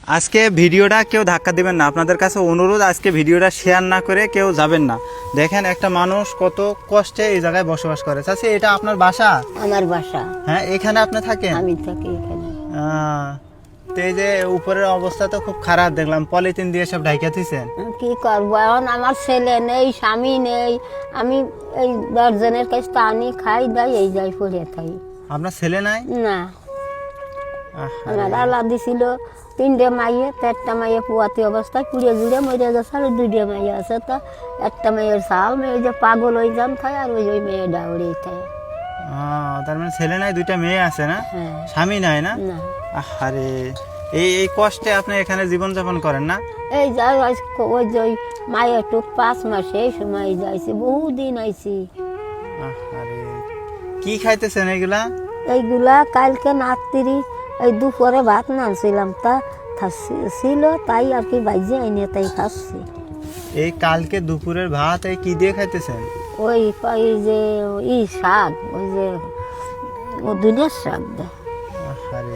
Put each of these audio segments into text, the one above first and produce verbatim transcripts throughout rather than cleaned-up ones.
আজকে ভিডিওটা কেউ ধাক্কা দিবেন না, আপনাদের কাছে অনুরোধ, আজকে ভিডিওটা শেয়ার না করে কেউ যাবেন না। দেখেন একটা মানুষ কত কষ্টে এই জায়গায় বসবাস করে। চাচি, এটা আপনার বাসা? আমার বাসা। হ্যাঁ, এখানে আপনি থাকেন? আমি থাকি এখানে। আহ, তো এই যে উপরের অবস্থা তো খুব খারাপ, দেখলাম পলিথিন দিয়ে সব ঢাইকা দিয়েছেন। কি করবো এখন, আমার ছেলে নেই, স্বামী নেই, আমি এই দশজনের কাছে তো আনি খাই দাই এই যাই পড়ে থাই। আপনার ছেলে নাই? না, আহারে। আমার আল্লাহ দিছিল তিনটে মাইয়ে, তো একটা মাইয়ে পুয়াতি অবস্থায় পুড়ে জুড়ে মরে গেছে, আর দুইটা মাইয়ে আছে। তো একটা মেয়ের সাল মেয়ে যে পাগল ওই যান খায়, আর ওই ওই মেয়ে ডাউরি খায়। আহ, তার মানে ছেলে নাই, দুইটা মেয়ে আছে না? হ্যাঁ। স্বামী নাই না? না, আরে এই এই কষ্টে আপনি এখানে জীবনযাপন করেন না? এই যাই ওই যে ওই মায়ের টুক পাঁচ মাসে এই সময় যাইছি, বহুদিন আইছি। আরে কি খাইতেছেন এগুলা? এইগুলা কালকে নাত্তিরি এই দুপুরে ভাত নানছিলাম, তা থা- ছিল তাই আর কি বাইজে আইনে তাই খাচ্ছি। এই কালকে দুপুরের ভাত এই কি দিয়ে খাইতেছেন? ওই ওই যে ই শাক, ওই যে ও দুধের শাক দেয়। আরে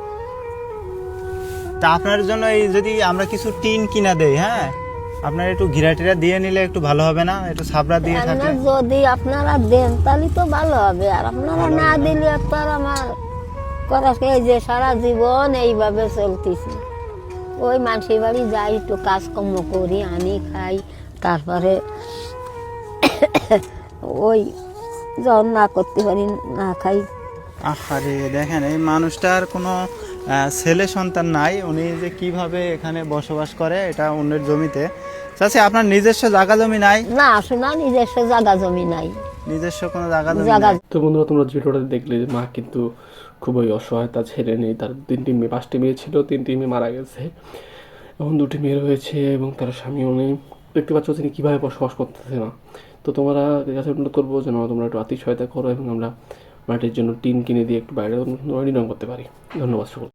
তা আপনার জন্য এই যদি আমরা কিছু টিন কিনা দেই, হ্যাঁ আপনার একটু ঘিরা টিরা দিয়ে নিলে একটু ভালো হবে না? একটু ছাবড়া দিয়ে থাকলে। আপনার যদি আপনারা দেন তাহলে তো ভালো হবে, আর আপনারা না দিলে তো আর আমার করা, এই যে সারা জীবন এইভাবে চলতেছে। ওই মানুষের বাড়ি যাই, একটু কাজকর্ম করি, আনি খাই, তারপরে ওই যখন না করতে পারি না খাই। আরে দেখেন এই মানুষটার কোনো আহ, ছেলে সন্তান নাই, উনি যে কিভাবে এখানে বসবাস করে এটা অন্যের জমিতে। চাচি, আপনার নিজস্ব জায়গা জমি নাই? না, শোনা নিজস্ব জায়গা জমি নাই, নিজস্ব কোনো জায়গা জমি জায়গা। নাই? তো বন্ধুরা, তোমরা ভিডিওটা দেখলে যে মা কিন্তু খুবই অসহায়, তার ছেলে নেই, তার তিনটি মেয়ে, পাঁচটি মেয়ে ছিল, তিনটি মেয়ে মারা গেছে, এখন দুটি মেয়ে রয়েছে এবং তার স্বামীও নেই। দেখতে পাচ্ছ তিনি কীভাবে বসবাস করতেছে না। তো তোমরা কাছে অনুরোধ করবো যেন তোমরা একটু আর্থিক সহায়তা করো এবং আমরা মাটির জন্য টিন কিনে দিয়ে একটু বাইরে নির্মাণ করতে পারি। ধন্যবাদ সকল।